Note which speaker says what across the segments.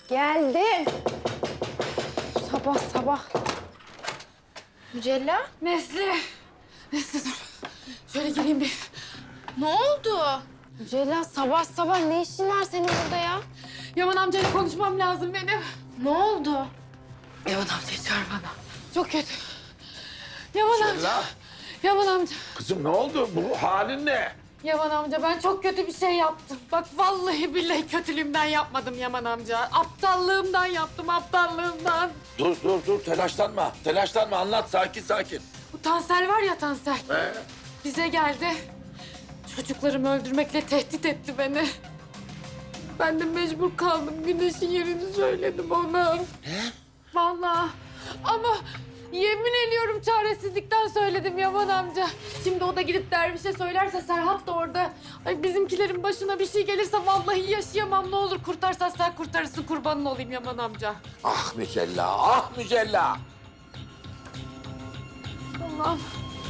Speaker 1: Geldim. Sabah sabah. Mücella?
Speaker 2: Nesli dur. Şöyle gireyim bir. Ne oldu?
Speaker 1: Mücella sabah sabah ne işin var senin burada ya?
Speaker 2: Yaman amcayla konuşmam lazım benim.
Speaker 1: Ne oldu?
Speaker 2: Yaman amcayı çağır bana. Çok kötü. Yaman amca.
Speaker 3: Mücella,
Speaker 2: Yaman amca.
Speaker 3: kızım ne oldu? Bu halin ne?
Speaker 2: Yaman amca ben çok kötü bir şey yaptım. Bak vallahi billahi kötülüğümden yapmadım Yaman amca. Aptallığımdan yaptım, aptallığımdan.
Speaker 3: Dur, telaşlanma. Telaşlanma, anlat, sakin.
Speaker 2: Bu Tansel var ya Tansel. Bize geldi. Çocuklarımı öldürmekle tehdit etti beni. Ben de mecbur kaldım. Güneş'in yerini söyledim ona. Ne? Vallahi. Ama yemin ediyorum çaresizlikten söyledim Yaman amca. Şimdi o da gidip dervişe söylerse Serhat da orada. Ay bizimkilerin başına bir şey gelirse vallahi yaşayamam. Ne olur kurtarsan sen kurtarırsın, kurbanın olayım Yaman amca.
Speaker 3: Ah Mücella.
Speaker 2: Allah'ım.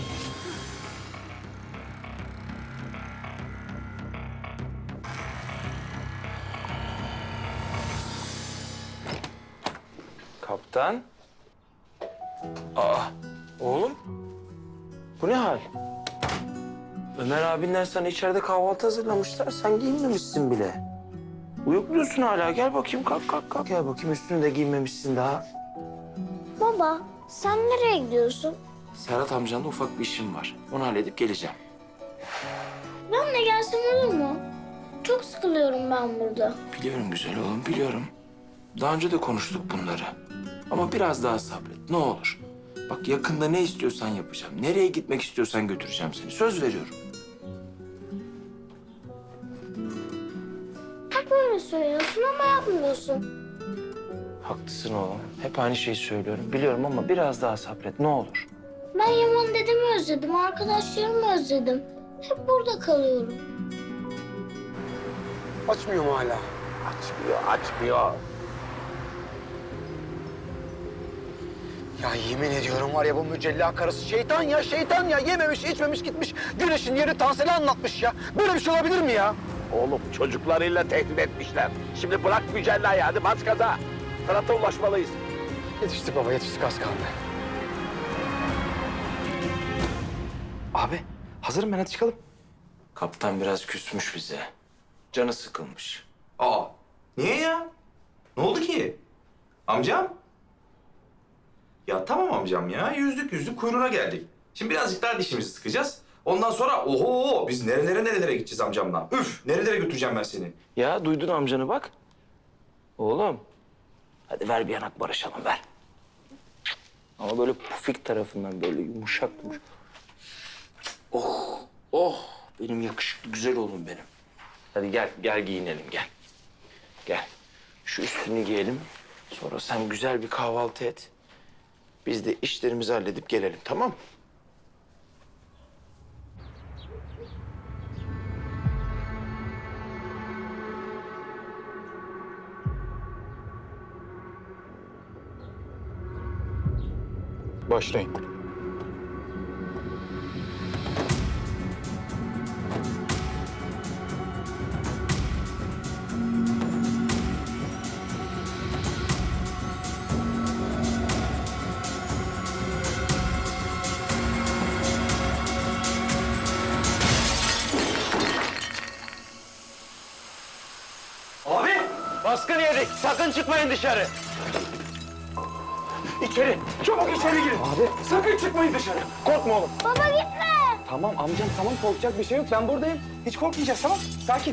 Speaker 4: Kaptan. Oğlum. Bu ne hal? Ömer abinler sana içeride kahvaltı hazırlamışlar. Sen giyinmemişsin bile. Uyukluyorsun hala. Gel bakayım kalk. Gel bakayım üstünü de giymemişsin daha.
Speaker 5: Baba, sen nereye gidiyorsun?
Speaker 4: Serhat amcanla ufak bir işim var. Onu halledip geleceğim.
Speaker 5: Benimle gelsen olur mu? Çok sıkılıyorum ben burada.
Speaker 4: Biliyorum güzel oğlum, biliyorum. Daha önce de konuştuk bunları. Ama biraz daha sabret, ne olur. Bak yakında ne istiyorsan yapacağım. Nereye gitmek istiyorsan götüreceğim seni. Söz veriyorum.
Speaker 5: Hep öyle söylüyorsun ama yapmıyorsun.
Speaker 4: Haklısın oğlum. Hep aynı şeyi söylüyorum. Biliyorum ama biraz daha sabret, ne olur.
Speaker 5: Ben Yaman dedemi özledim, arkadaşlarımı özledim. Hep burada kalıyorum.
Speaker 6: Açmıyor mu hala?
Speaker 3: Açmıyor.
Speaker 6: Ya yemin ediyorum var ya bu Mücella karısı şeytan ya. Yememiş, içmemiş gitmiş. Güneş'in yeri Tansel'e anlatmış ya. Böyle bir şey olabilir mi ya?
Speaker 3: Oğlum çocuklarıyla tehdit etmişler. Şimdi bırak Mücella'yı, hadi bas gaza. Fırat'a ulaşmalıyız.
Speaker 6: Yetiştik baba, yetiştik az kaldı. Abi, hazırım ben, hadi çıkalım.
Speaker 4: Kaptan biraz küsmüş bize. Canı sıkılmış.
Speaker 7: Aa, niye ya? Ne oldu ki? Amcam? Ya tamam amcam ya. Yüzdük kuyruğuna geldik. Şimdi birazcık daha dişimizi sıkacağız. Ondan sonra oho biz nerelere gideceğiz amcamla. Üf, nerelere götüreceğim ben seni?
Speaker 4: Ya duydun amcanı bak. Oğlum. Hadi ver bir yanak barışalım ver. Ama böyle pufik tarafından böyle yumuşak. Oh. Benim yakışıklı güzel oğlum benim. Hadi gel giyinelim gel. Gel. Şu üstünü giyelim. Sonra sen güzel bir kahvaltı et. Biz de işlerimizi halledip gelelim tamam mı?
Speaker 6: Başlayın.
Speaker 4: Abi baskın yedik. Sakın çıkmayın dışarı. İçeri. Çabuk içeri girin. Abi. Sakın çıkmayın dışarı. Korkma oğlum.
Speaker 5: Baba gitme!
Speaker 6: Tamam amcam, tamam, korkacak bir şey yok. Ben buradayım. Hiç korkmayacağız, tamam? Sakin.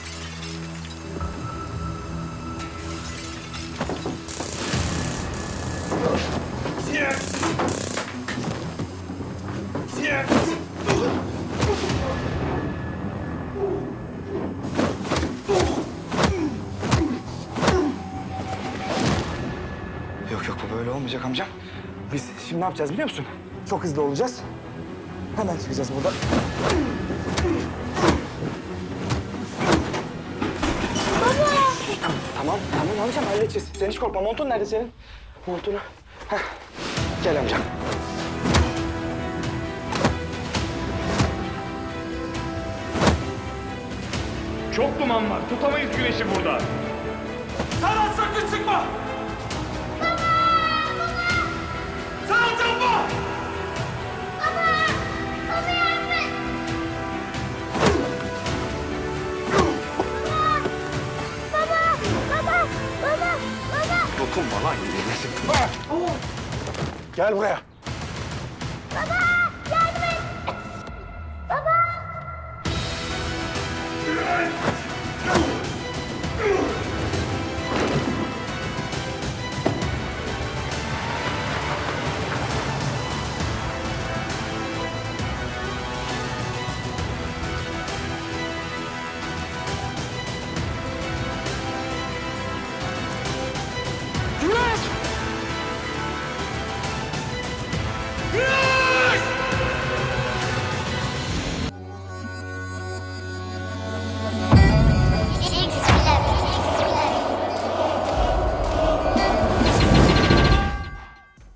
Speaker 6: Yok bu böyle olmayacak amcam. Biz şimdi ne yapacağız biliyor musun? Çok hızlı olacağız. Hemen çıkacağız buradan. Tamam amcam halledeceğiz. Sen hiç korkma. Montun nerede senin? Montunu. Heh. Gel amcam.
Speaker 8: Çok duman var. Tutamayız güneşi burada.
Speaker 7: Sana sakın çıkma!
Speaker 3: Dokunma lan. Gel buraya.
Speaker 5: Baba!